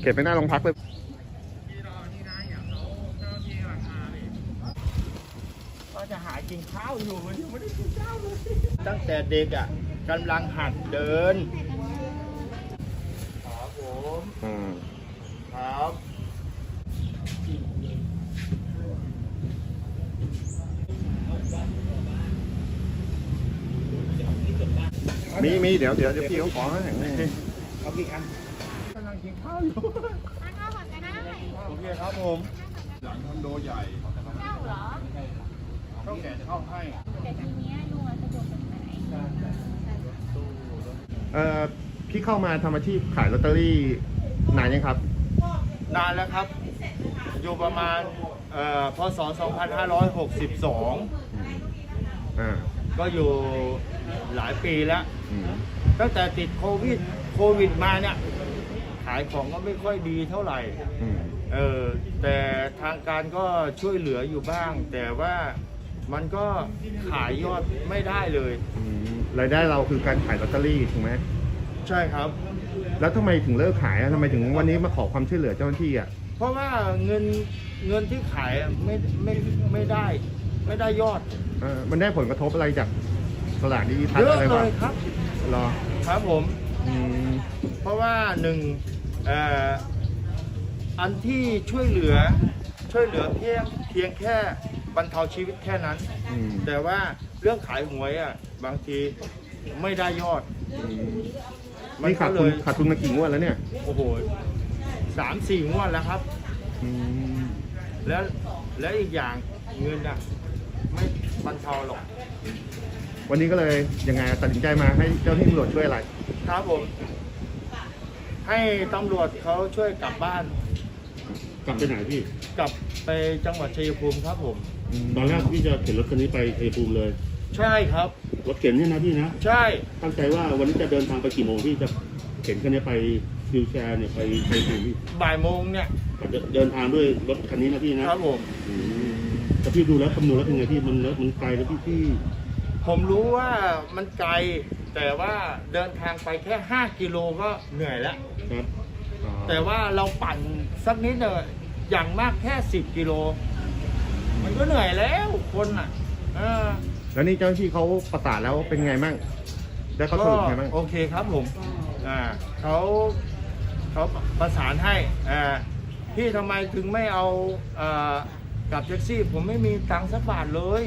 เก็บไปหน้าโรงพักเลยก็จะหากินข้าวอยู่วันนี้ไม่ได้กินข้าวเลยตั้งแต่เด็กอ่ะกำลังหัดเดินครับผมครับมีเดี๋ยวพี่เขาขอให้เอากี่อันกำลังกินข้าวอยู่ทานข้าวก่อนก็ได้โอเคครับผมหลังคอนโดใหญ่เจ้าเหรอเท่าแก่จะเข้าให้แต่ทีนี้ลุงสะดวกแบบไหนพี่เข้ามาทำอาชีพขายลอตเตอรี่นานยังครับนานแล้วครับอยู่ประมาณพศ 2562ก็อยู่หลายปีแล้วตั้งแต่ติดโควิดมาเนี่ยขายของก็ไม่ค่อยดีเท่าไหร่แต่ทางการก็ช่วยเหลืออยู่บ้าง แต่ว่ามันก็ขายยอดไม่ได้เลยรายได้เราคือการขายลอตเตอรี่ถูกไหมใช่ครับแล้วทำไมถึงเลิกขายทำไมถึงวันนี้มาขอความช่วยเหลือเจ้าหน้าที่อ่ะเพราะว่าเงินที่ขายไม่ได้ยอดมันได้ผลกระทบอะไรจากสลากดิจิทัลอะไรบ้างครับรอครับผมเพราะว่าหนึ่งอันที่ช่วยเหลือเพียงแค่บรรเทาชีวิตแค่นั้นแต่ว่าเรื่องขายหวยอ่ะบางทีไม่ได้ยอดไม่ขาดทุนมากี่งวดแล้วเนี่ยโอ้โห3-4 งวดแล้วครับแล้วอีกอย่างเงินอ่ะไม่บรรเทาหรอกวันนี้ก็เลยยังไงตัดสินใจมาให้เจ้าหน้าที่ตำรวจช่วยอะไรครับผมให้ตำรวจเขาช่วยกลับบ้านกลับไปไหนพี่กลับไปจังหวัดชัยภูมิครับผมตอนแรกพี่จะเข็นรถคันนี้ไปชัยภูมิเลยใช่ครับรถเข็นนี่นะพี่นะใช่ตั้งใจว่าวันนี้จะเดินทางไปกี่โมงพี่จะเข็นคันนี้ไปวิวแชร์เนี่ยไปชัยภูมิบ่ายโมงเนี่ยเดินทางด้วยรถคันนี้นะพี่นะครับผมแต่พี่ดูแล้วคำนวณแล้วเป็นไงพี่มันไกลแล้วพี่ผมรู้ว่ามันไกลแต่ว่าเดินทางไปแค่5 กิโลก็เหนื่อยแล้วครับแต่ว่าเราปั่นสักนิดเดียวอย่างมากแค่10 กิโลมันก็เหนื่อยแล้วคนอ่ะแล้วนี่เจ้าหน้าที่เขาประสานแล้วเป็นไงมั่งได้เขาสรุปไงมั่งโอเคครับผมเขาประสานให้พี่ทำไมถึงไม่เอากับแท็กซี่ผมไม่มีตังค์สักบาทเลย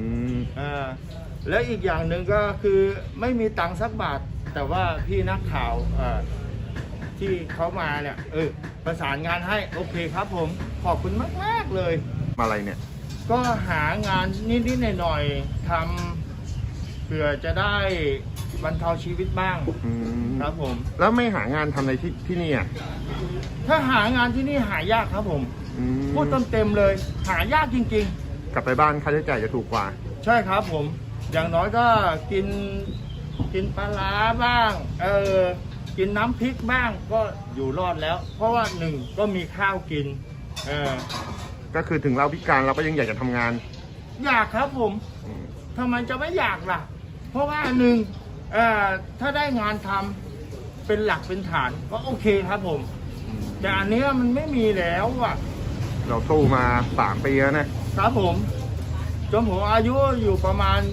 แล้วอีกอย่างหนึ่งก็คือไม่มีตังค์สักบาทแต่ว่าพี่นักข่าวที่เขามาเนี่ยประสานงานให้โอเคครับผมขอบคุณมากเลยมาอะไรเนี่ยก็หางานนิดๆหน่อยๆทำเพื่อจะได้บรรเทาชีวิตบ้างครับผมแล้วไม่หางานทำในที่นี่อ่ะถ้าหางานที่นี่หายากครับผมพูดเต็มเลยหายากจริงๆกลับไปบ้านค่าใช้จ่ายจะถูกกว่าใช่ครับผมอย่างน้อยก็กินปลาร้าบ้างกินน้ำพริกบ้างก็อยู่รอดแล้วเพราะว่าหนึ่งก็มีข้าวกินก็คือถึงเราพิการเราก็ยังอยากจะทำงานอยากครับผมทำไมจะไม่อยากล่ะเพราะว่าหนึ่งถ้าได้งานทำเป็นหลักเป็นฐานก็โอเคครับผมแต่อันนี้มันไม่มีแล้วอ่ะเราสู้มา3 ปีแล้วนะครับผมจนผมอายุอยู่ประมาณ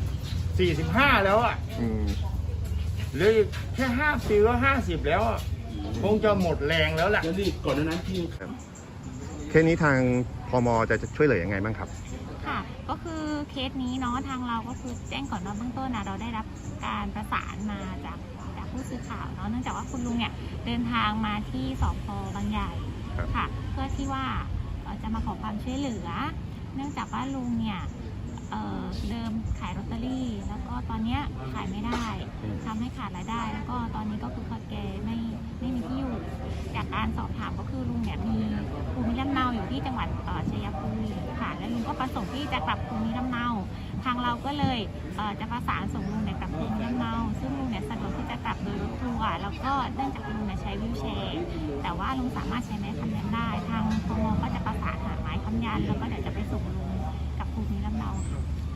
45แล้วอ่ะเหลือแค่5 ปีก็50แล้วคงจะหมดแรงแล้วแหละก่อนนั้นพี่เคสนี้ทางพม.จะช่วยเหลือยังไงบ้างครับค่ะก็คือเคสนี้เนาะทางเราก็คือแจ้งก่อนว่าเบื้องต้นเราได้รับการประสานมาจากผู้สื่อข่าวเนาะเนื่องจากว่าคุณลุงเนี่ยเดินทางมาที่สพ.บางใหญ่ค่ะเพื่อที่ว่าจะมาขอความช่วยเหลือเนื่องจากว่าลุงเนี่ยเดิมขายลอตเตอรี่แล้วก็ตอนนี้ขายไม่ได้ทำให้ขาดรายได้แล้วก็ตอนนี้ก็คือแกไม่มีที่อยู่จากการสอบถามก็คือลุงเนี่ยมีภูมิลำเนาอยู่ที่จังหวัดชัยภูมิค่ะและลุงก็ประสงค์ที่จะกลับภูมิลำเนาทางเราก็เลยจะประสานส่งลุงเนี่ยกลับภูมิลำเนาซึ่งลุงเนี่ยสะดวกที่จะกลับโดยรถทัวร์แล้วก็เนื่องจากลุงเนี่ยใช้วีลแชร์แต่ว่าลุงสามารถใช้ไม้ค้ำยันได้ทางพม.ก็จะประสานหาไม้ค้ำยันแล้วก็เดี๋ยวจะไปส่งลุงกับภูมิลำเนาค่ะ